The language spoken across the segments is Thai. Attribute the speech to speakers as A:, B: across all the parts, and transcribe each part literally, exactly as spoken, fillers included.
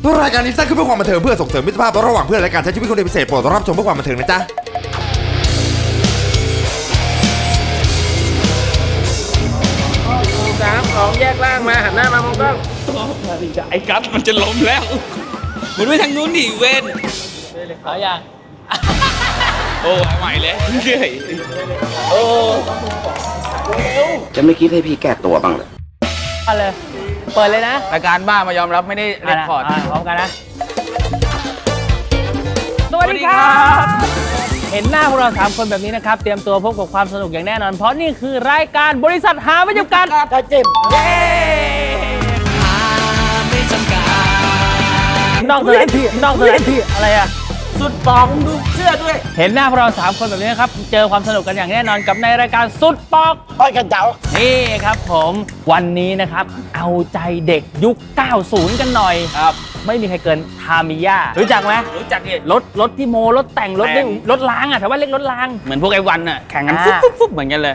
A: รายการนี้สร้างขึ้นเพื่อความบันเทิงเพื่อส่งเสริมมิตรภาพระหว่างเพื่อนและการใช้ชีวิตคนเดียวพิเศษโปรดรับชมเพื่อความบันเทิงนะจ๊ะ
B: สามสองแยกล่างมาหันหน้ามามองกล้อง
C: ไอ้กัสมันจะล้มแล้วมันไม่ทางนู้นดิเวน
B: เอาอย่าง
C: โอ้ใหม่เลยเหนื่อย
B: โอ้
D: จะไม่คิดให้พี่แก้ตัวบ้างเลย
B: มาเลยเปิดเลยนะ
C: รายการบ้ามายอมรับไม่ได้เรคคอร์ด
B: ะพร้อมกันนะสวัสดีครับ เห็นหน้าพวกเราสามคนแบบนี้นะครับเตรียมตัวพบกับความสนุกอย่างแน่นอนเพราะนี่คือรายการบริษัทหาไม่จำกัดกระจิบเย้หาไม่จำกัดนอกสถานที่นอกสถานที่อะไรอะสุดปอกดูเสื้อด้วย เห็นหน้าพวกเราสามคนแบบนี้นะครับเจอความสนุกกันอย่างแน่นอนกับในรายการสุดปอกปอยกันเจ้านี่ครับผมวันนี้นะครับเอาใจเด็กยุค เก้าสิบ กันหน่อยครับไม่มีใครเกินทามิยารู้จักไหม
C: รู้จักดิ
B: รถรถที่โมรถแต่งรถนี่รถล้างอ่ะแต่ว่าเรียกรถล้าง
C: เหมือนพวกไอ้วันน่ะแข่งกัน
B: อ่า
C: ฟุ๊บฟุ๊บฟุ๊บเหมือนกันเลย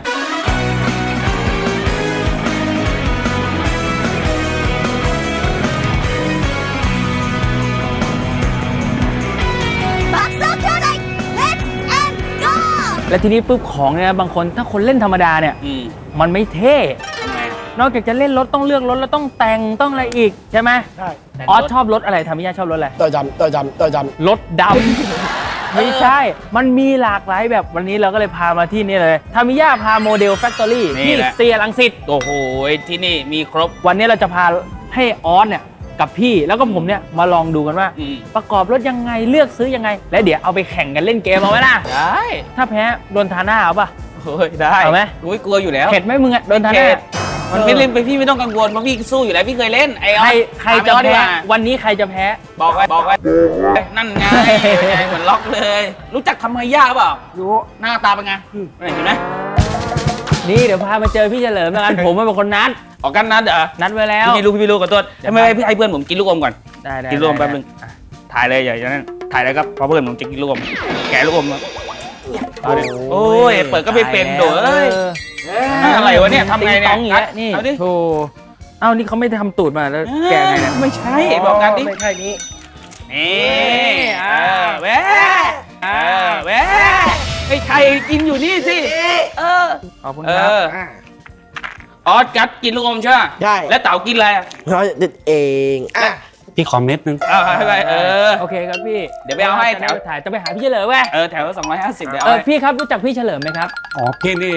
B: และทีนี้ปุ๊บของเนี่ยบางคนถ้าคนเล่นธรรมดาเนี่ย
C: อืม
B: มันไม่เท่
C: ทำไง
B: นอกจากจะเล่นรถต้องเลือกรถแล้วต้องแต่งต้องอะไรอีกใช่ไหม
E: ใช่
B: ออสชอบรถอะไรทามิยาชอบรถอะไร
E: ตัวจำตัวจำตัวจ
B: รถดำ ไม่ใช่ มันมีหลากหลายแบบวันนี้เราก็เลยพามาที่นี่เลยทามิยาพาโมเดลแฟคทอรี่ที่เซียรังสิต
C: โอ้โหที่นี่มีครบ
B: วันนี้เราจะพาให้ออสเนี่ยกับพี่แล้วก็ผมเนี่ยมาลองดูกันว่า
C: อืม
B: ประกอบรถยังไงเลือกซื้อยังไง และเดี๋ยวเอาไปแข่งกันเล่นเกมเอาไหมล่ะ
C: ได้
B: ถ้าแพ้โดนทาหน้าเอาป่ะ
C: โอ้ยได้
B: เอาไหม
C: โอ้ยกลัวอยู่แล้ว
B: เข็ดไหมมึงอะโดนทาห
C: เข็
B: น้า
C: ดมันไม่เล่นไปพี่ไม่ต้องกังวลเพราะพี่สู้อยู่แล้วพี่เคยเล่นไอ้อ
B: ใค
C: อ
B: ร
C: ส
B: ใครจะ
C: ถามไอ้ออสดี
B: แพ้
C: กว่า
B: วันนี้ใครจะแพ้
C: บอกไว้บอกไว้นั่นไงเหมือนล็อกเลย รู้จักทำไมยากเปล่ารู้หน้าตาเป็นไงเห็นไหม
B: นี่เดี๋ยวพามาเจอพี่เฉลิมแล้วกัน ผมเป็นคนนัด
C: ออกกันนัดเหรอ
B: นัดไว้แล้ว
C: พี่ไม่รู้พี่ไม่รู้ขอโทษไม่ไม่พี่ให้เพื่อนผมกินลูกอมก่อน
B: ได้ได้
C: กินลูกอม
B: ได้
C: แป๊บนึงอ่ะถ่ายเลยอย่าอย่างนั้นถ่ายเลยครับเพราะเพื่อนผมจะกินลูกอมแกะลูกอมมาเอาดิโอ้ยเปิดก็ไม่เป็นโดเอ้ย อะไรวะเนี่ยทำไงเนี่ย
B: ติ๊ต้องอย่างเงี้ยนี่
C: เอาดิ
B: โธ่เอ้านี่เขาไม่ได้ทำตูดมาแล้วแกไงเนี่ย
C: ไม่ใช่บอกกันดิ
E: ไม่ใช่นี้
C: นี่เออแหวะเออแหวะไอ้ไข่กินอยู่นี่สิเออ
B: ขอบคุณ
C: เอ
B: ครับ
C: อออสกัดกินลูกอมใช่ไหม
E: ใช่
C: แล้วเต๋ากินอะไรอ่ะ
E: เราเด็ดเองอ่ะ
F: พี่ขอเม็ดนึง
C: เอาให้ไปเออ
B: โอเคครับพี่
C: เดี๋ยวไปเอาให้แถว
B: ถ่ายจะไปหาพี่เฉลิมแว่
C: เออแถวสองร้อยห้าสิบเดี๋ยว
B: เอ
C: เอา
B: อ
C: ให้
B: พี่ครับรู้จักพี่เฉลิมไหมครับ
F: อ๋อพี่นี่เอง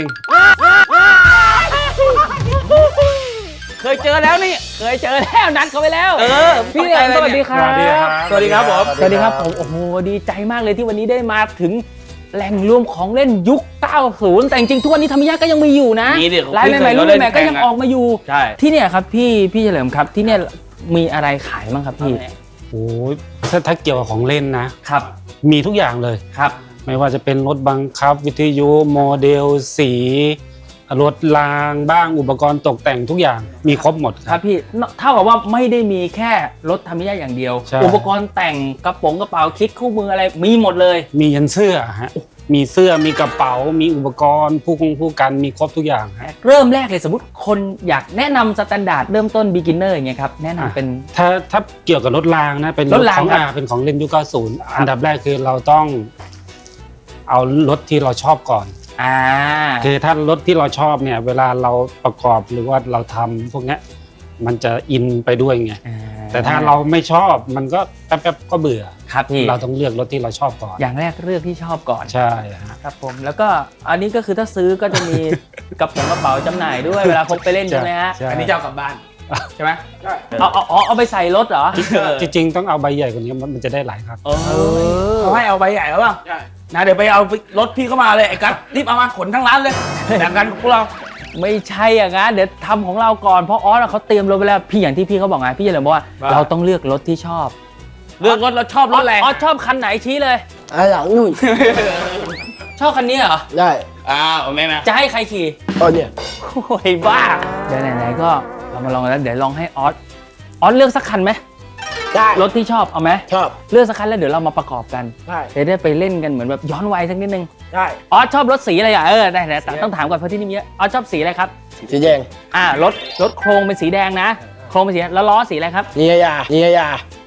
B: เคยเจอแล้วนี่เคยเจอแล้วนัดเขาไปแล้ว
C: เออ
B: พี่เฉลิมสวัสดีครับ
C: สวัสดีครับผม
B: สวัสดีครับผมโอ้โหดีใจมากเลยที่วันนี้ได้มาถึงแหล่งรวมของเล่นยุค เก้าสิบ แต่จริงๆทุกวันนี้ทามิยะก็ยังมีอยู่นะ
C: มีดิ
B: ลายใหม่ๆรุ่นใหม่ๆก็ยังออกมาอยู่
C: ใช่
B: ที่เนี่ยครับพี่พี่เฉลิมครับที่เนี่ยมีอะไรขายบ้างครับพี่
F: โอ้ยถ้าถ้าเกี่ยวกับของเล่นนะ ครับ มีทุกอย่างเลย
B: ครับ
F: ไม่ว่าจะเป็นรถบังคับวิทยุโมเดลสีรถรางบ้างอุปกรณ์ตกแต่งทุกอย่างมีครบหมดค
B: ครั
F: รั
B: บบ พี่เท่ากับว่าไม่ได้มีแค่รถทามิยะอย่างเดียว
F: ใช่
B: อุปกรณ์แต่งกระโปรงกระเป๋าคิดคู่มืออะไรมีหมดเลย
F: มียันเสื้อฮะมีเสื้อมีกระเป๋ามีอุปกรณ์ผู้คงผู้กันมีครบทุกอย่างฮะ
B: เริ่มแรกเลยสมมติคนอยากแนะนำสแตนดาร์ดเริ่มต้น beginner อย่างเงี้ยครับแนะนำเป็น
F: ถ้าถ้าเกี่ยวกับรถรางนะเป็น
B: รถราง
F: ของ
B: ครับ
F: อาเป็นของเล่นยุคเก้าสิบอันดับแรกคือเราต้องเอารถที่เราชอบก่อน
B: อ่า
F: คือถ้ารถที่เราชอบเนี่ยเวลาเราประกอบหรือว่าเราทำพวกเนี้ยมันจะอินไปด้วยไงแต่ถ้าเราไม่ชอบมันก็แป๊บๆก็เบื่อ
B: ครับพี่
F: เราต้องเลือกรถที่เราชอบก่อน
B: อย่างแรกเลือกที่ชอบก่อน
F: ใช่ฮะ
B: ครับผมแล้วก็อันนี้ก็คือถ้าซื้อก็จะมี กระเป๋ากระเป๋าจำหน่ายด้วยเวลาพกไปเล่นใช่ไหมฮะ
F: ใช่
C: อันนี้จะเอากลับบ้านใช่ไหม
B: เอาเอาเอาเอาไปใส่รถเหรอ
F: จริงๆต้องเอาใบใหญ่กว่านี้มันมันจะได้หลายครับ
C: เออเขาให้เอาใบใหญ่แล้วป่ะนะเดี๋ยวไปเอารถพี่เข้ามาเลยไอ้กัสรีบเอามาขนทั้งร้านเลยแบ่งกันกับพวกเรา
B: ไม่ใช่อย่างนั้นเดี๋ยวทำของเราก่อนเพราะออสเขาเตรียมรถไปแล้วพี่อย่างที่พี่เขาบอกไงพี่เฉลิมบอกว่า
C: ว่า
B: เราต้องเลือกรถที่ชอบ
C: เลือกรถเราชอบรถอะไร
B: ออสชอบคันไหนชี้เลย
E: อ่ะหลังนู่น
B: ชอบคันนี้เหรอ
E: ได้
C: อ้าวแม่นะ
B: จะให้ใครขี่
E: ตอนเนี้ย
B: โอ้ยบ้าเดี๋ยวไหนๆก็เรามาลองกันแล้วเดี๋ยวลองให้ออสออสเลือกสักคันไหม
E: ได้
B: รถที่ชอบเอาไหม
E: ชอบ
B: เลือกสักคันแล้วเดี๋ยวเรามาประกอบกัน
E: ได้
B: จะได้ไปเล่นกันเหมือนแบบย้อนวัยสักนิดนึง
E: ได้
B: ออสชอบรถสีอะไรอ่ะเออได้แต่ต้องถามก่อนเพราะที่นี่มีเยอะออสชอบสีอะไรครับ
E: สีแดง
B: อ่ารถรถโครงเป็นสีแดงนะโครงเป็นสีแดงแล้วล้อสีอะไรครับ
E: นิยายานิยายา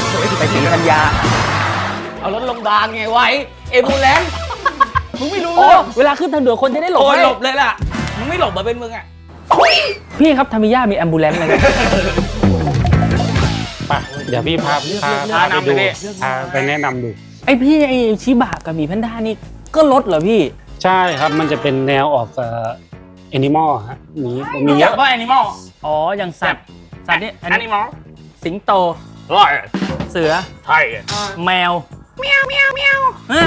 B: ไปศรีธัญญา
C: เอารถโรงพยาบาลไงไว้เอบูแลนซ์มึงไม่รู้
B: โอ้
C: เรื่อง
B: เวลาขึ้นทางด่วนคนจะได้หลบ
C: โอ้ย
B: ให้
C: หลบเลยล่ะมึงไม่หลบมาเป็นมึงอ่ะ
B: พี่ครับทามิยามีแอมบูเลนซ์ไหม
F: ไปเดี๋ยวพี่พาพาพาไปดูพาไปแนะนำดู
B: ไอพี่ไอชิบะกับหมีแพนด้านี่ก็ลดเหรอพี่
F: ใช่ครับมันจะเป็นแนวออกเอ่อแอนิมอลฮะมีมี
C: อ
F: เย
C: ยาก
F: อะ
C: ว่าแอนิมอล
B: อ๋ออย่างสัตว์สัตว์นี่
C: แอนิมอล
B: สิงโต
C: ร้อย
B: เสือ
C: ไทย
B: แมวเมียวเมียวเมียว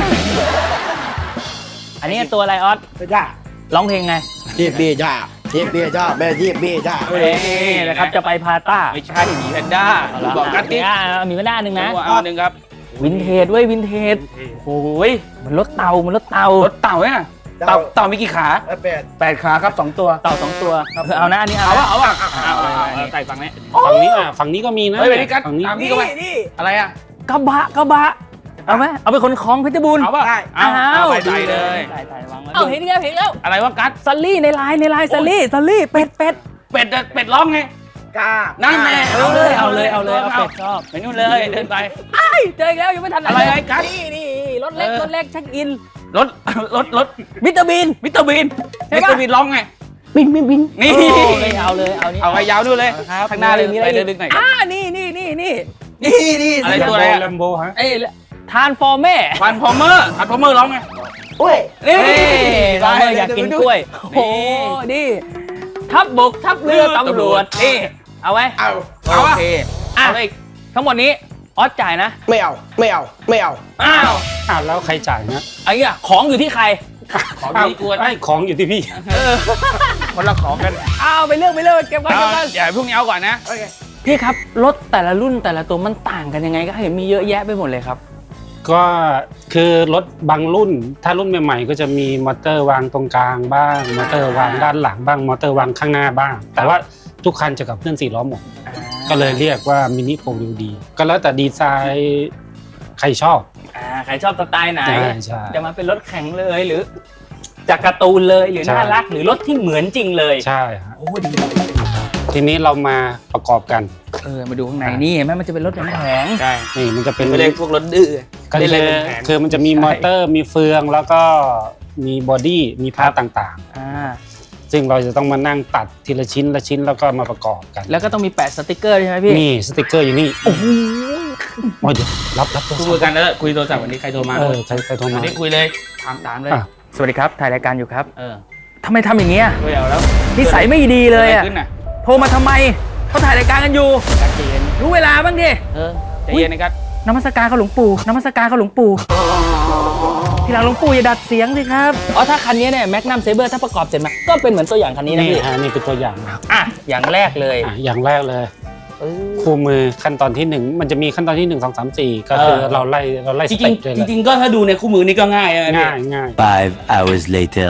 B: อันนี้ตัวอะไรออส
E: จ้า
B: ร้องเพลงไง
E: เทียบเบียจ้าเทียบเบียจ้าแม่เทียบเบียจ้า
B: นี่นะครับจะไปพาต้า
C: ไม่ใช่หมีแพนด้าบอกกันดิ
B: อ่ะหมีแพนด้าหนึ่งนะ
C: เอาหนึ่งครับ
B: วินเทจเว้ยวินเทจ
C: โอ้ย
B: มันรถเตามันรถเตาร
C: ถเต่าเนี่ยเต่าเต่ามีกี่ขา
E: แปด
C: แปดขาครับสองตัว
B: เตาสองตัวเอานะอันนี้เอา
C: เอา
B: นะ
C: วะเอาวะเอาเอาใส่ฝั่งนี้
F: ฝั่งนี้อ่ะฝั่งนี้ก็มีนะ
C: เฮ้ยไปดิกัด
F: ฝั่งนี้
C: ตามพี่ก็ไปอะไรอ่ะ
B: กระบะกระบะเอาไหมเอาไปขนของเพชรบูรณ์
C: เอาป่ะเอาเอาไปใส่เลย
B: ใส่ใส่วางไว้เอาเห็นแล้วเห็นแล้ว
C: อะไรวะกัด
B: ซัลลี่ในไลน์ในไลน์ซัลลี่ซัลลี่เป็ดเป็ด
C: เป็ดเป็ดร้องไง
E: กล้า
C: นั่นแน่
B: เอาเลยเอาเลยเอาเลยเอาเป็ดชอบ
C: ไปนู่นเลยเดินไป
B: ไอ้เจออีกแล้วยังไม่ทันหน
C: อะไรไอ้กั๊ก
B: นี่นี่รถเล็กรถเล็กเช็คอิน
C: รถรถรถ
B: วิตามิน
C: มิสเตอร์บีน
B: ใช่
C: มิส
B: ปะ
C: เตอร์บีนร้องไง
B: บินบินบิน
C: นี่
B: เอาเลยเอาเลยเอานี่
C: เอาไปยาวนู่นเลย
B: ครับ
C: ข้างหน้าเลย
B: มี
C: ไป
B: อะไร
C: เดิ
B: อี
C: น
B: ก
C: ดึงหน่อย
B: อ่านี่นี่นี่นี่
E: นี่นี่
C: อะไรตัวอะไรอะ
F: แลมโบฮะ
B: เอ้ยทานฟอร์แม่
C: ฟันพอมเมอร์ฟันพอมเมอร์ร้องไง
E: โอ้ย
C: นี่
B: เราอยากกินกล้วยโอ้โหนี่ทัพบกทัพเรือตำรวจนี่เอาไว้
E: เอา
C: เอา
B: โอ
C: อะ
B: เคอ่ะทั้งหมดนี้ออสจ่ายนะ
E: ไม่เอาไม่เอาไม่เอา
B: อ้าว
F: อ้าวแล้วใครจ่ายนะ
B: ไอ้เงี้ยของอยู่ที่ใคร
C: ของ
F: อ้าว
C: ดีกวน
F: ไอ้ของอยู่ที่พี่
C: คนละของกัน
B: อ้าวไปเลือกไปเลือกเก็บไว้
C: เอา
B: เก็บไว้
C: เดี๋ยวพรุ่งนี้เอาก่อนนะ
B: พี่ครับรถแต่ละรุ่นแต่ละตัวมันต่างกันยังไงก็เห็นมีเยอะแยะไปหมดเลยครับ
F: ก็คือรถบางรุ่น ถ้ารุ่นใหม่ๆก็จะมีมอเตอร์วางตรงกลางบ้างมอเตอร์วางด้านหลังบ้างมอเตอร์วางข้างหน้าบ้าง แต่ว่าทุกคันจะกับเคลื่อนสี่ล้อหมดก็เลยเรียกว่ามินิโฟร์วิวดีก็แล้วแต่ดีไซน์ใครชอบ
B: อ่าใครชอบสไตล์ไหน
F: ใช่ใช่
B: จะมาเป็นรถแข่งเลยหรือจากการ์ตูนเลยหรือ
F: ใช่
B: น่ารักหรือรถที่เหมือนจริงเลย
F: ใช่ฮะ
B: โอ้ดี
F: ทีนี้เรามาประกอบกัน
B: เออมาดูข้างในนี่เห็นไหมมันจะเป็นรถแผง
C: ใช่
F: นี่มันจะเป็น
C: ไม่ได้พวกรถดื้อ
F: ก็
C: ได้
F: คื
C: เลย
F: อ
C: เป็นแผง
F: คือมันจะมีมอเตอร์มีเฟืองแล้วก็มีบอดี้มีพาร์ตต่าง
B: ๆอ่า
F: ๆ ซึ่งเราจะต้องมานั่งตัดทีละชิ้นละชิ้นแล้วก็มาประกอบกัน
B: แล้วก็ต้องมีแปะสติกเกอร์ใช่ไหมพี่
F: นี่สติกเกอร์อยู่นี่โอ้โหเดี๋ยวรับรับโทรศัพ
C: คุย
F: ท์
C: กันแล้วคุยโทรศัพท์วันนี้ใครโทรมา
F: เออใครใครโทร
C: วั
F: มาน
C: นี้คุยเลยถามตามเลย
F: อ่ะ
B: สวัสดีครับถ่ายรายการอยู่ครับ
C: เออ
B: ทำไมทำอย่างเงี้ย
C: คุยเอาแล้ว
B: นิสัยไม่ดีเลย
C: กิด
B: อะ
C: อะไรขึ้นน่ะ
B: โทรมาทำไมเขาถ่ายรายการกันอยู่
C: ใจเย็น
B: รู้เวลาบ้างดิ
C: เออใจเย็นนะครับ
B: นมัสการเขาหลวงปู่นมัสการเขาหลวงปู่ทีหลังหลวงปู่อย่าดัดเสียงสิครับอ๋อถ้าคันนี้เนี่ยแมกนัมเซเบอร์ถ้าประกอบเสร็จมาก็เป็นเหมือนตัวอย่างคันนี้นะ
F: นี่
B: พี่
F: ฮะนี่เป็นตัวอย่างนะ
B: อ่ะอย่างแรกเลย
F: อ่ะอย่างแรกเลยคู่มือขั้นตอนที่หนึ่งมันจะมีขั้นตอนที่หนึ่งสองสามสี่ก็คือ
B: เออ
F: เราไล่เราไล่
C: จ
F: ส
C: ริ
F: เต็
C: ง
F: ปเลย
C: ๆจริงๆก็ถ้าดูในคู่มือนี่ก็ง่ายนะ
F: ง่ายง่าย
D: Five hours later.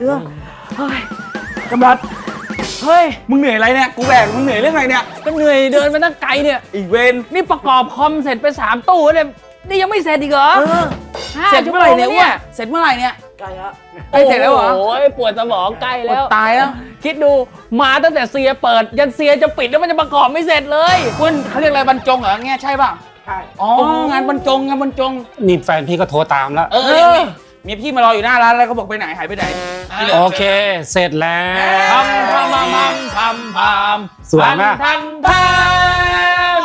B: กำลัดเฮ้ย
C: มึงเหนื่อยอะไรเนี่ยกูแบกมึงเหนื่อยเรื่องอะไรเนี่ย
B: ก็เหนื่อยเดินมาตั้งไกลเนี่ย
C: อีกเวน
B: นี่ประกอบคอมเสร็จไปสามตู้เนี่ยนี่ยังไม่เสร็จอีกเหรอห้า
C: เสร็จเมื่อไหร่เนี่ย
B: ชั่วโมง
C: วะเสร็จเมื่อไหร่เนี่ย
E: ใกล้แล้ว
C: ใกล้เสร็จแล้วเหรอ
B: โอ้ยปวดสมองใกล้แล้ว
C: ตายแล้ว
B: คิดดูมาตั้งแต่เซียเปิด ยันเซียจะปิดแล้วมันจะประกอบไม่เสร็จเลย
C: คุณเขาเรียกอะไรบรรจงเหรอเงี้ยใช่ป่ะ
E: ใช่
C: อ๋องานบรรจงงานบรรจง
F: นี่แฟนพี่ก็โทรตามแล้ว
C: เออนี่มีพี่มารออยู่หน้าร้านแล้วเขาบอกไปไหนหายไปไหน
F: โอเค เสร็จแล้ว
B: ทำทำทำทำทำ
F: สวยมาก
B: ทันทัน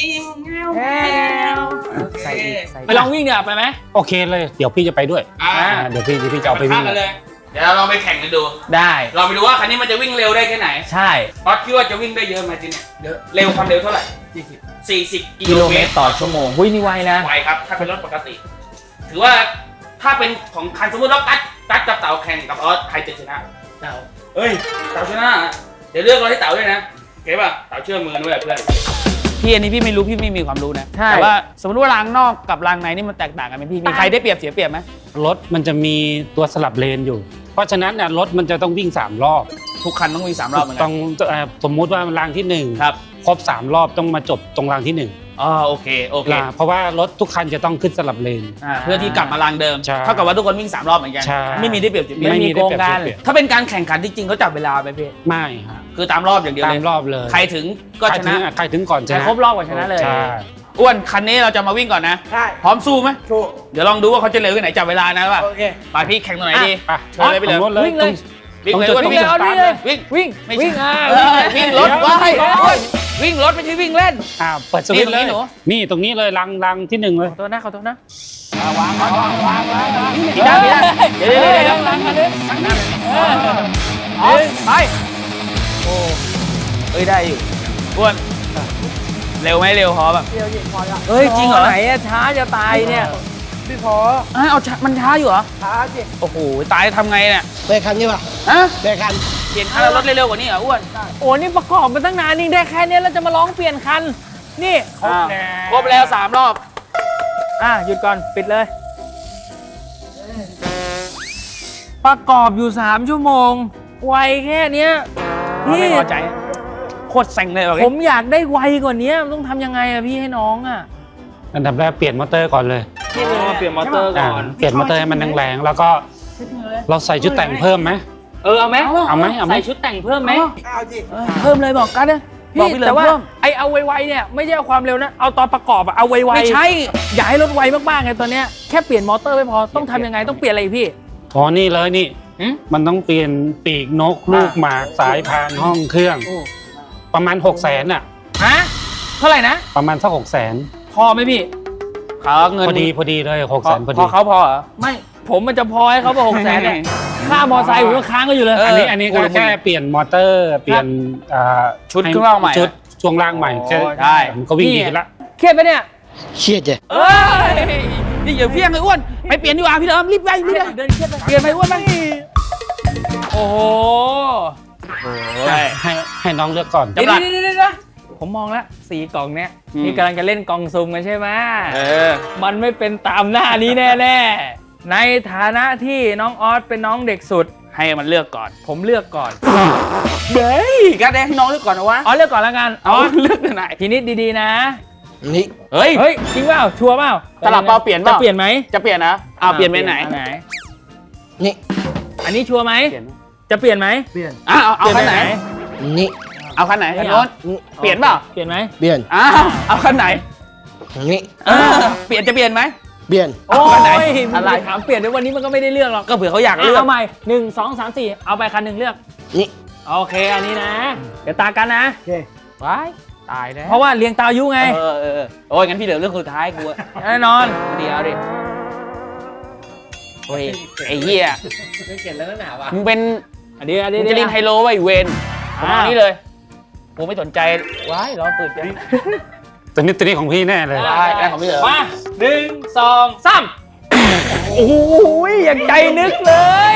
B: ใส่อีกใส่อีกไปลองวิ่งเนี่ยไปไหม
F: โอเคเลย เดี๋ยวพี่จะไปด้วย
C: อ่า
F: อ่าเดี๋ยวพี่เดี๋ยวพี่จะเอาไปวิ่ง
C: กันเลย เดี๋ยวเราลองไปแข่งกันดู
B: ได้
C: เราไปดูว่าคันนี้มันจะวิ่งเร็วได้แค่ไหน
B: ใช่
C: เพราะคิดว่าจะวิ่งได้เยอะไหมทีเนี่ยเยอะเร็วความเร็วเท่าไหร่สี่สิบกิ
B: กิ
C: โล
B: โล
C: เม
B: เม
C: ต
B: ต
C: ร
B: รต่อชั่วโมงหุ้ยนี่ไวนะ
C: ไวครับถ้าเป็นรถปกติ ถือว่าถ้าเป็นของคันสมมติเราตัดตัดกับเต่าแข่งกับออสใครจะชนะเต่าเอ้ยเต่าชนะเดี๋ยวเลือกเราให้เต่าด้วยนะเก๋ป่ะเต่าเชื่อมือด้วยเพื่อนพี่อันนี้พี่ไม่รู้พี่ไม่มีความรู้นะ
B: ใช่
C: แต่ว่าสมมติว่ารางนอกกับรางในนี่มันแตกต่างกันไหมพี่มีใครได้เปรียบเสียเปรียบไหม
F: รถมันจะมีตัวสลับเลนอยู่ เพราะฉะนั้นเนี่ยรถมันจะต้องวิ่งสามรอบ
C: ทุกคันต้องวิ่งสามรอบเหมือนกั
F: ต้องเอ่อสมมุติว่ารางที่หนึ่ง
C: ครับ
F: ครบสามรอบต้องมาจบตรงรางที่หนึ่ง
C: อ๋อโอเคโอเค
F: นะเพราะว่ารถทุกคันจะต้องขึ้นสลับเลน
C: อ่าเพื่อที่กลับมารางเดิม
F: ใช่
C: เท่ากับว่าทุกคนวิ่งสามรอบเหมือนกัน
F: ใช่
C: ไม่มีได้เปรียบเสียเปรียบ
B: ไม่มีโกงกัน
F: ได้เปรียบ
C: ถ้าเป็นการแข่งขันที่จริงเขาจับเวลาไปพี่
F: ไม่ฮะ
C: คือตามรอบอย่างเดียว
F: ตา
C: เล
F: ม
C: ย
F: รอบเลย
C: ใครถึงก็ชนะ
F: ใครถึงใครถึงก่อนช
B: ใคร
F: นะ
B: ครบรอบกว่าชนะเลย
F: ใช่
C: อ้วนคันนี้เราจะมาวิ่งก่อนนะ
E: ใช่
C: พร้อมสู้ไหม
E: โชว์
C: เดี๋ยวลองดูว่าเขาจะเร็วแค่ไหนจับเวลานะว่า
E: โอเค
C: ไปพี่แข่งตรงไหนดี
F: อ่ะ
C: เชิญเลยไปเลย
F: ตรงโน้นเลย
B: วิ่งเลย
C: วิ่ง
F: ตรง
C: เลย
F: จุด
C: อ้วน
F: ตรง
C: วิ่ง
F: จุด
C: เลย
B: เอานี่เลย
C: วิ่ง
B: วิ่ง
C: ไม่
B: วิ่งอ่ะ
C: เออวิ่งรถว้ายวิ่งรถไม่ใช่วิ่งเล่น
F: อ่าเปิดสวิตช์เลย
C: นี่ตรงนี้หนู
F: นี่ตรงนี้เลยรังรังที่หนึ่งเลย
B: ขอโทษนะขอโทษนะ
C: อีด้านอีด้านเดี๋ยวเดี๋ยวเดี๋ยวเดี๋ยว
B: หลังกันเลย
C: เอาไปโอ้เอ้ยได้อยู่อ้วนเร็วไหมเร็วพอแบบ
B: เฮ้ย
C: จริงเหรอ
B: ไหนอะช้าจะตายเนี่ย
E: พี่พอ
C: เอ้ยเอาช้ามันช้าอยู่เหรอ
E: ช้าสิ
C: โอ้โหตายทำไงเนี่ย
E: เบรกคันนี้ป่ะ
C: ฮะ
E: เบรกคัน
C: เปลี่ยนคันแล้วรถเร็วๆกว่านี้เหรออ้วน
B: โอ้นี่ประกอบมาตั้งนานนี่ได้แค่เนี้ยแล้วจะมาร้องเปลี่ยนคัน นี่
C: อ้าวครบแล้วสามรอบ
B: อ่ะหยุดก่อนปิดเลย ประกอบอยู่สามชั่วโมง ไวแค่เนี้ย
C: ไม่
B: พี่
C: พอใจโคตรเซ็งเลยว่ะ
B: ผมอยากได้ไวกว่านี้ต้องทำยังไงอะพี่ให้น้องอะ
F: อันดับแรกเปลี่ยนมอเตอร์ก่อนเลย
C: นี่คือเปลี่ยนมอเตอร์ก่อน
F: อ่าเปลี่ยนมอเตอร์ให้มันแรงๆแล้วก็เราใส่ชุดแต่งเพิ่มไหม
B: เออเอาไหม
F: เอาไหมเอาไหม
B: ใส่ชุดแต่งเพิ่มไหม
E: เอาสิ
B: เพิ่มเลยบอกกันนะ
C: บอ
B: พี่
C: กพี่เลย
B: แต่ว่า
C: เพิ่ม
B: ไอเอาไวๆเนี่ยไม่ใช่เอาความเร็วนะเอาตอนประกอบอะเอาไวๆ
C: ไม่ใช่
B: อย่าให้รถไวมากๆไงตอนเนี้ยแค่เปลี่ยนมอเตอร์ไม่พอต้องทำยังไงต้องเปลี่ยนอะไรอีกพี่
F: อ๋อนี่เลยนี่
C: หืม
F: มันต้องเปลี่ยนปีกนกลูกหมากสายพานห้องเครื่อง ประมาณหกแสนอ่ะ
B: ฮะเท่าไหร่นะ
F: ประมาณสักหกแสน
B: พอไหมพี่
C: เขาเงิน
F: พอดีพอดีเลยหก
C: พ
F: แส
C: อน
F: พอ
C: พ
F: ดี
C: อเขาพอเหรอ
B: ไม่ผมมันจะพอให้เขาไปหกแสนเนี่ยค่ามอไซค์ผมก็ค้างก็อยู่เลย
C: เอ
F: อันนี้อันนี้ก็
C: พูดเลย
F: แค่เปลี่ยนมอเตอร์เปลี่ยนอ่า
C: ชุดเครื่องล่างใหม่
F: ชุดช่วงล่างใหม่
C: อ๋อ
F: แค่
C: ใช่
F: มันก็วิ่งดีขึ้นละ
B: เครียดไหมเนี่ย
E: เครียดจ้ะ
C: เอ้ยนี่อย่าเพี้ยงเลยอ้วนไปเปลี่ยนดีกว่าพี่เดิมรีบไปรีบไป
B: เดินเครียดไป
C: เปลี่ยนไปอ้วนไป
B: โอ้โห
F: ให้ให้ให้น้องเลือกก่อน
B: เดี๋ยวเดี๋ยวเดี๋ยวเดี๋ยวผมมองแล้วสีกล่องเนี้ยนี่กำลังจะเล่นกล่องซุ่มกันใช่ไหม
C: เออ
B: มันไม่เป็นตามหน้านี้แน่ๆ ในฐานะที่น้องออสเป็นน้องเด็กสุด
C: ให้มันเลือกก่อน
B: ผมเลือกก่อน
C: เฮ้ยการแดงให้น้องเลือกก่อนนะวะ
B: ออสเลือกก่อนแล้วกัน
C: เอาเลือกไหน
B: ทีนี้ดีๆนะ
E: นี่
C: เฮ้ย
B: เฮ้ย จริงเปล่า ชัวร์เปล่า
C: สลับเปล่าเปลี่ยนเป
B: จะ
C: ล่า
B: เปลี่ยนไหม
C: จะเปลี่ยนนะเอาเปลี่ยนไปไหน
B: อัไหน
E: นี่
B: อันนี้ชัวร์ไหม
C: เปลี่ยน
B: จะเปลี่ยนไหม
C: อ่ะเอาเอาคันไหน
E: นี่
C: เอาคันไหนคันโน้น
E: นี่
C: เปลี่ยนเปล่า
B: เปลี่ยนไหม
E: เปลี่ยน
C: อ้าวเอาคันไหน
E: นี่
C: เออเปลี่ยนจะเปลี่ยนไหม
E: เปลี่ยน
B: โอ้
C: คันไหน
B: ย
C: อะไร
B: ถามเปลี่ยนในวันนี้มันก็ไม่ได้เลือกหรอก
C: ก็เผื่อเขาอยาก
B: อ่ะ
C: เลือก
B: เอาใหม่หนึ่งสองสามสี่เอาไปคันหนึ่งเลือก
E: นี่
B: โอเค อันนี้นะ เดี๋ยวตากันนะ
E: โอเค
C: ว้ายตายแล้ว
B: เพราะว่าเรียงตามอายุไง
C: เออเออเออโอ้ยงั้นพี่เหลือเรื่องสุดท้ายกูอะ
B: แน่นอน
C: เดี๋ยวดิโอ้ยไอ้เหี้ย
B: เขียนแล้วหนาวะ
C: มึงเป็น
B: อันนี้อัน
C: มึ
B: นี้
C: งจะเล่นไฮโลไว้เวนผมเอา
B: อ่า
C: อันนี้เลยกูไม่สนใจว้ายรอเปิดกัน
F: ตัวนี้ตัวนี้ของพี่แน่เลย
C: ได้ได้ของพี่เหรอ
B: มาหนึ่งสองสามโอ้โหอย่างใจนึกเลย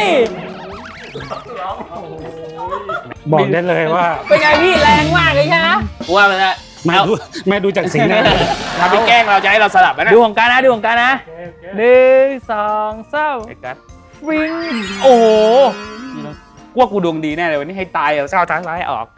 F: บอกได้เลยว่า
B: เป็นไงพี่แรงมากเลยใช่ไหม
C: กูว่ามันจะ
F: แม่ดูแม่ดูจากสีหน้า
C: ทำเป็นแกล้งเราจะให้เราสลับไหมนะ
B: ดูของการนะดูของการนะหนึ่งสองสาม
C: ไอ้กัส
B: ฟิงโอ้โห
C: กูว่ากูดวงดีแน่เลยวันนี้ให้ตายเอาเศร้าท้ายร้ายออก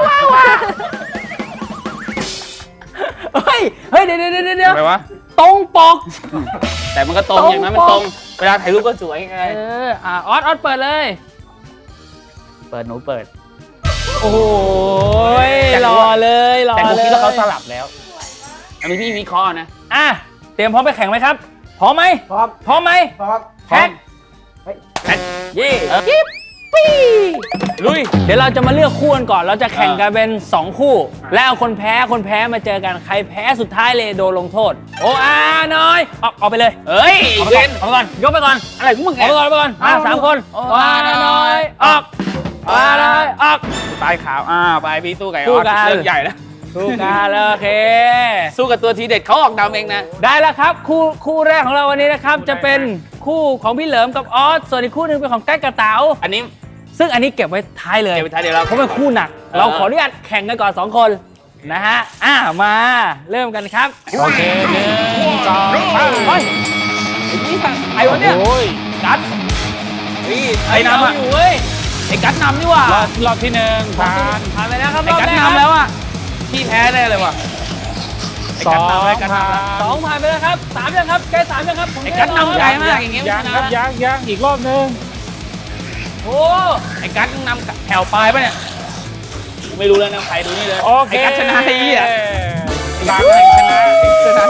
B: เฮ้ยเฮ้ยเดี๋ยวเดี๋ยวเดี๋ยวเดี๋ยว
C: ทำไมวะ
B: ตรงปก
C: แต่มันก็ตรง
B: ตรง
C: อย่างนั้นมันตรง เวลาถ่ายรูปก็สวยไง
B: เอออ่ะออสออสเปิดเลย
C: เปิดหนูเปิด
B: โอ้ย
C: แต่กู
B: รอ
C: ว่า
B: เลยรอ
C: แต่กู
B: เลย
C: คิดว่าเขาสลับแล้ว อันนี้พี่วิเคราะห์นะ
B: อ่ะเตรียมพร้อมไปแข่งไหมครับพร้อมไหม
E: พร้อม
B: พร้อมไหม
E: พร้อม
B: แท็กเย่
C: เออ
B: จิ๊บปี้
C: ลุย
B: เดี๋ยวเราจะมาเลือกคู่กันก่อน เราจะแข่งกันเป็นสองคู่ แล้วเอาคนแพ้คนแพ้มาเจอกันใครแพ้สุดท้ายเลยโดนลงโทษ โอ้อาน้อยออกออกไปเลย
C: เฮ้ย
B: ออกไป
C: เว
B: ก่อน
C: น
B: ออกไปก่อนยกไปก่อน
C: อะไรของมึง
B: ออกไปก่อนออกไปก่อนมาสามคน
C: โอ้
B: วาน้อยออกวาน้อยออก
C: ตายขาวอ่าไปพี่สู้ไก่อ
B: สู้
C: อส
B: กัน
C: เรื่องใหญ่แล้ว
B: สู้กันเลยโอเค
C: สู้กับตัวทีเด็ดเขาออกดำเองนะ
B: ได้แล้วครับคู่คู่แรกของเราวันนี้นะครับ จะเป็นคู่ของพี่เหลิมกับออสส่วนอีกคู่หนึงเป็นของใกล้กระเต๋า
C: อันนี้
B: ซึ่งอันนี้เก็บไว้ท้ายเลย
C: เก็บไว้ท้ายเดี๋ยวเรา
B: เพราะเป็นคู่หนัก
C: เออ
B: เราขออนุญาตแข่งกันก่อนสองคนนะฮะอ่ะมาเริ่มกันครับ
F: โอเคหนึ่งสองสาม
B: เฮ้ยไอ้นี่ไอ้วะเนี่ย
F: โอ้ย
C: กัดเฮ้ยไอ้น้ำอ่ะ
B: เาอยู่เว้ย
C: ไอ้กัดนำนี่หว่าร
F: อบรอบที่หนึ่งผ่าน
B: ผ่านไปแล้วครับ
C: ไอ้
B: รอบ
C: กัด
B: แรก
C: นำแล้วอ่ะพี่แพ้แน่เลยว่ะไอ้
F: ส
C: กั
F: อ
C: ด
F: ง
C: นำไอ้กัด
F: ผ่าน
C: ำแล้ว
B: สองผ่านไปแล้วครับสามยังครับแกสามยังครับผม
C: ไอ้กัดนำใหญ่มากอย่างเงี้ย
F: ยังครับยังยังอีกรอบหนึง
B: โอ้
C: ไอ้กัดนำแถวปลายปะเนี่ยไม่รู้แล้วนะใครดูนี่เลย
F: โอเค
C: ไอ้กัดชนะไอ้เหี้ย
F: หลังแห่งชนะชนะ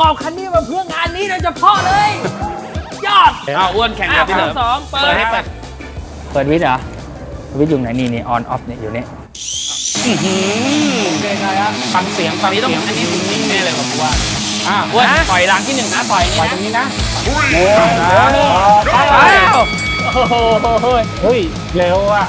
B: กอบคันนี้มาเพื่องานนี้โดยเฉพาะเลย ยอด
C: เอาอ้วนแข่ง
B: อ่ะ
C: กับพี่เหลิม
B: สองเปิด
C: เปิดให้เปิด
B: เปิดวิทย์เหรอวิทย์อยู่ไหนนี่นี่ออนออฟเนี่ยอยู่นี่
F: ฟังเสียงฟั
C: อั
F: ง
C: นนี้
F: เสี
C: ต้อง
F: ยง
C: อันนี้ถึงนิ่งแน่เลยผมว่า
F: อ่ะ
C: อ้วนปล่อยหลังที่หนึ่งนะปล่อย
F: ปล่อย
C: นี่
F: ตร
C: นะ
F: งนี้นะโอ้โห
B: อ้าวโอ้โห
F: เฮ้ยเร็วอ่ะ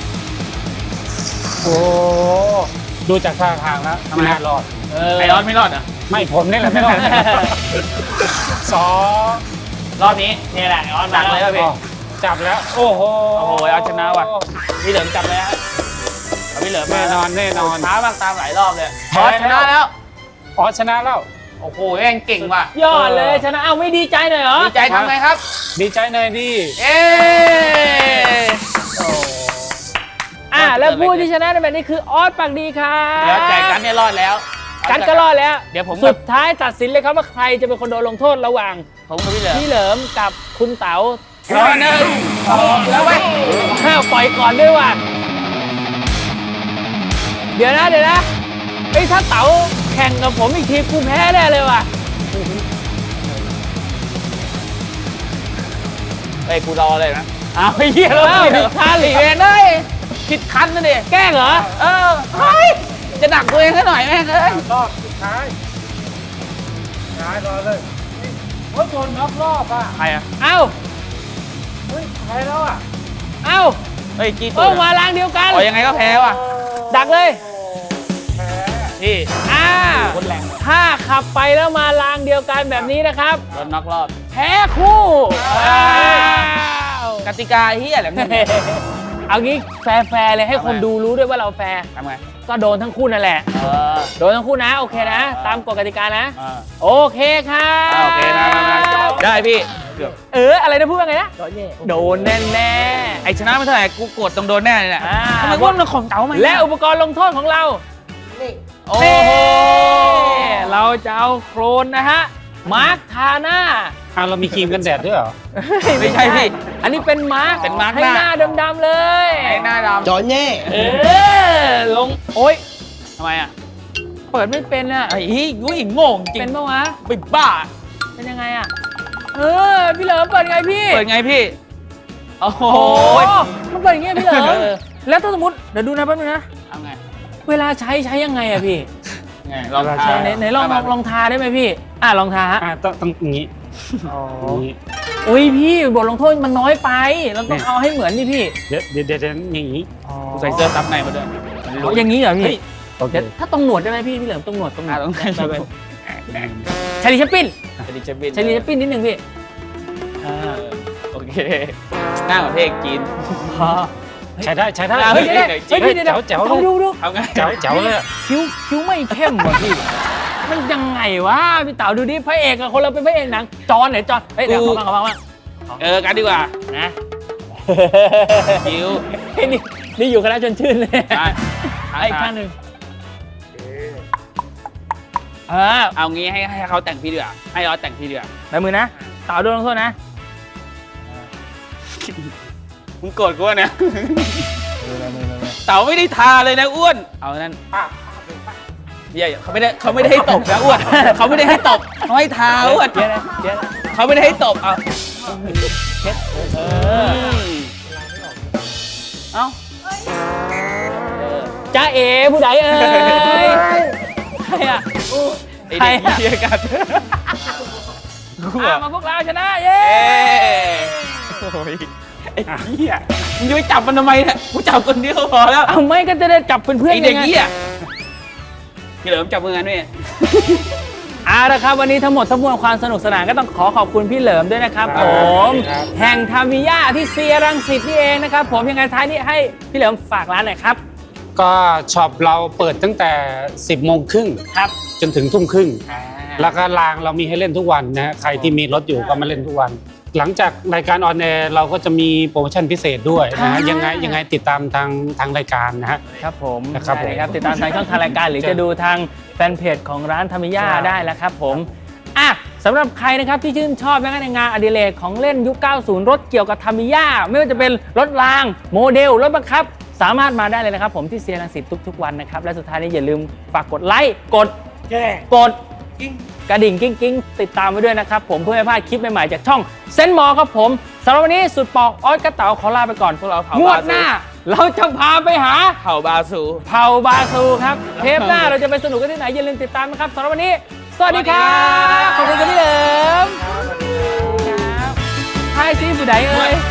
F: โอ้ดูจากท่าทางแล้วไม่น่ารอด
B: เออ
C: ไอออนไม่รอดเหรอ่ะ
F: ไม่ผมนี่แหละไม่รอดสอง
C: รอบนี้นี่แหละไอออนหนักเลยครับพี่
F: อ๋อจับแล้ว โอ้โห
C: โอ้โหเอาชนะว่ะ พี่เหลิมจับเลยฮะเอาพี่เหลิมมา
F: แน่นอนแน่นอน
C: ช้ามากตามหลายรอบเลย
F: แพ้
C: ออชนะแล้ว
F: อ๋อชนะแล้ว
C: โอ้โหแม่งเก่งว่ะ
B: ยอดเลยชนะเอาไม่ดีใจหน่อยเหรอ
C: ดีใจทำไงครับ
F: ดีใจหน่อยดิ
C: เอ๊ะ
B: อ่ะแล้วผู้ที่ชนะในแบบนี้คือออสปากดีครับ
C: เดี๋ยวแจกกันเนี่ยรอดแล้ว
B: กันก็รอดแล้ว
C: เดี๋ยวผม
B: สุ
C: กับ
B: ดท้ายตัดสินเลยครับว่าใครจะเป็นคนโดนลงโทษระหว่าง
C: ผมกับพี่เหลิม
B: พี่เหลิมกับคุณเต๋า
C: ร้อยหนึ่งสองแล้วไว้ย
B: ห้าวปล่อยก่อนด้วยว่ะเดี๋ยวนะเดี๋ยวนะไอ้ยถ้าเต๋าแข่งกับผมอีกทีกูแพ้แน่เลยว่ะ
C: เฮ้ยกูรอเลยนะอ้าวเฮียแล้ว
B: อ้าวผิดคัน
C: หลีเวนเอ้ยผิดคันนะดิ
B: แกล้งเหรอ
C: เออเฮ้ยจะหนักตัวเองซะหน่อยแม่งเอ้ย
F: รอบสุดท้ายท้ายรอเลยโอ้ยโดนน็อกรอบอ่ะ
C: ใครอ่ะ
B: เอ้า
F: เฮ้ยแพ้แล้วอ่ะ
B: เอ้า
C: เฮ้ยกี่ตั
B: เอ้
C: ว
B: มาลางเดียวกัน
C: อ๋อยังไงก็แพ้ว่ะ
B: ดักเลย
F: แพ้
C: พี่
B: อ่า
C: คนแรง
B: ถ้าขับไปแล้วมาลางเดียวกันแบบนี้นะครับ
C: โดนน็อกรอบ
B: แพ้คู่ว้าว
C: กติกาเฮียอะไรเนี่ย
B: เอางี้แฟร์ๆเลยให้คนดูรู้ด้วยว่าเราแฟร์
C: ทำไง
B: ก็โดนทั้งคู่นั่นแหละ
C: เออ
B: โดนทั้งคู่นะ โอเคนะ ตามกฎกติกานะ
C: อ่า
B: โอเคค่ะ
C: อ่าโอเคมามามาได้พี่เกือบ
B: เออ อะไรนะพูดว่าไงนะ โดนแน่แน่
C: ไอชนะไม่เท่าไหร่กูกดต้องโดนแน่เลยแหละ
B: อ่า
C: ทำไมว่ามันของเต๋าไหม
B: และอุปกรณ์ลงโทษของเรา
C: โอ้
B: นี่
C: โห
B: เราจะเอาโครนนะฮะ มาร์คทาหน้า
F: อ่ะเรามีครีมกันแดดด้วยเหรอ
C: ไม่ใช่พี่
B: อันนี้เป็นมาร์ค
C: เป็นมาร์ค
B: ให้
C: หน้า
B: หน้าดำๆเลย
C: ไอหน้าด
E: จอแน่
B: เออ ลง โอ๊ย
C: ำทำไมอ่ะ
B: เปิดไม่เป็นอ่ะ
C: ไอ้ฮีกูหิงโง่จริง
B: เป็นปะวะ
C: ไปบ้า
B: เป็นยังไงอ่ะ เออ พี่เหลิมเปิดไงพี่
C: เปิดไงพี่โอ้โห
B: โอ้มันเปิดอย่างเงี้ยพี่เหลิม
C: เออ
B: แล้วถ้าสมมติ เดี๋ยวดูนะแป๊บนึงนะ
C: เอาไง
B: เวลาใช้ใช้ยังไงอะพี่
C: ไงลอง
F: เวลา
C: ทา
F: ใช้
B: ไหนไหนลองลองลองทาได้ไหมพี่ อ่ะลองทาฮะ
F: อ่ะต้องต้องอย่างนี้อย่างนี้
B: อุ้ยพี่บทลงโทษมันน้อยไป เราต้อง
F: เนี่ย
B: เอาให้เหมือนดิพี่
F: เดี๋ยวเดี๋ยวเดี๋ยวเดี๋ยวอย่างนี้
C: กูใส่เสื้อซับในมาด้วยมัน
B: อ๋
C: รู้
B: ออย่างนี้เหรอพี่
F: โอเค
B: เดี๋ยวถ้าตรงหนวดได้ไหมพี่พี่เหลิมตรงหนวดตรงหนว
C: อ่า
B: ด
C: ต้อง
B: ไป
C: ใส่
B: ไปชาลีแชปปิน
C: ชลิชบิน
B: ชาลีแชปปินนิดนึงพี่
C: อ่าโอเคหน้าของเพลงจีน
F: ใช้ได้ใช้ได้
B: เฮ้ยเดี๋ยวเดี๋ยวเฮ้ยพี่เดี๋ยวเดี๋ยว
F: แจ๋ว
B: ต้องดูดู
C: เอาไง
F: แจ๋วแจ๋วเลยอะ
B: คิ้วคิ้วไม่เข้มว่ะพี่ มันยังไงวะพี่เต๋าดูดิพระเอกกับคนเราเป็นพระเอกหนังจอนไหนจอนเฮ้ยเดี๋ยวขอบ้างขอบ้างขอบ้าง
C: เออกันดีกว่า
B: นะ
C: คิ้ว
B: เฮ้ยนี่นี่อยู่คณะชวนชื่นเลย
C: ได้
B: ไอ้อีกข้างหนึ่งเออ
C: เอางี้ให้ให้เขาแต่งพี่ดีกว่าให้ออสแต่งพี่ดีกว่า
B: ในมือนะเต๋าโดนลงโทษนะ
C: มึงโกรธกูวะเนี่ยเต๋าไม่ได้ทาเลยนะอ้วนเอานั่นเหี้ยเขาไม่ได้เขาไม่ได้ให้ตบนะอ้วนเขาไม่ได้ให้ตบเขาให้ทาอ้วน
B: เดี๋ยวนะเดี๋ยวนะ
C: เขาไม่ได้ให้ตบเอา
B: เช็ดเออ
C: เอ้า
B: จ้าเอ๋ผู้ใดเอ่ยใครอะ
C: ไอเด็กเหี้ยกันกู
B: อ่ะ
C: อะ
B: มาพวกเราชนะ เย้
C: เอ้โอ้ยไอ้เหี้ยมึงจะไปจับมันทำไมเนี่ยกูจับคนเดียวพอแล้ว
B: เอาไม่ก็จะได้จับเพื่อน
C: ไอ
B: ๆ
C: เด็ก
B: ไง
C: เหี้ยพี่เหลิมจับมือกันด้วย
B: เอาละครับวันนี้ทั้งหมดทั้งมวลความสนุกสนานก็ต้องขอขอบคุณพี่เหลิมด้วยนะครับ
F: ครั
B: ผ
F: บ
B: ม
F: ครับ
B: แห่งทามิยาที่เซียรังสิตนี่เองนะครับผมยังไงท้ายนี้ให้พี่เหลิมฝากร้านหน่อยครับ
F: ก็ช็อปเราเปิดตั้งแต่ สิบโมงครึ่ง
B: ครับ
F: จนถึงทุ่มครึ่ง
B: อ่า
F: แล้วก็รางเรามีให้เล่นทุกวันนะฮะใครที่มีรถอยู่ก็มาเล่นทุกวัน หลังจากรายการออนแอร์เราก็จะมีโปรโมชั่นพิเศษด้วยนะฮะยังไงยังไงติดตามทางทางรายการนะฮะ
B: ครับผม
F: นะครับ
B: ได้เลยครับ
F: ผม
B: ติดตามทางช่องทางรายการหรือจะดูทางแฟนเพจของร้านทามิยา
F: ครับ
B: ได้แล้วครับผมอ่ะสำหรับใครนะครับที่ชื่นชอบงานงานอดิเรกของเล่นยุค เก้าสิบ รถเกี่ยวกับทามิยาไม่ว่าจะเป็นรถรางโมเดลรถบังคับ สามารถมาได้เลยนะครับผมที่เซียรังสิตทุกๆวันนะครับและสุดท้ายนี้อย่าลืมฝากกดไลค์กดแชร์กดกระดิ่งกิ้งกิ้งติดตามไว้ด้วยนะครับผมเพื่อไม่พลาดคลิปใหม่ๆจากช่องเซนมอครับผมสำหรับวันนี้สุดปอกออสกระเต๋าขอลาไปก่อน
C: พวกเราเผาง
B: วดหน้า เราจะพาไปหา
C: เผาบาซู
B: เผาบาซูครับ เทปหน้าเราจะไปสนุกกันที่ไหนอย่าลืมติดตามนะครับสำหรับวันนี้ สวัสดีครับขอบคุณครับพี่เหลิมครับไทยซีผู้ใดเอ่ย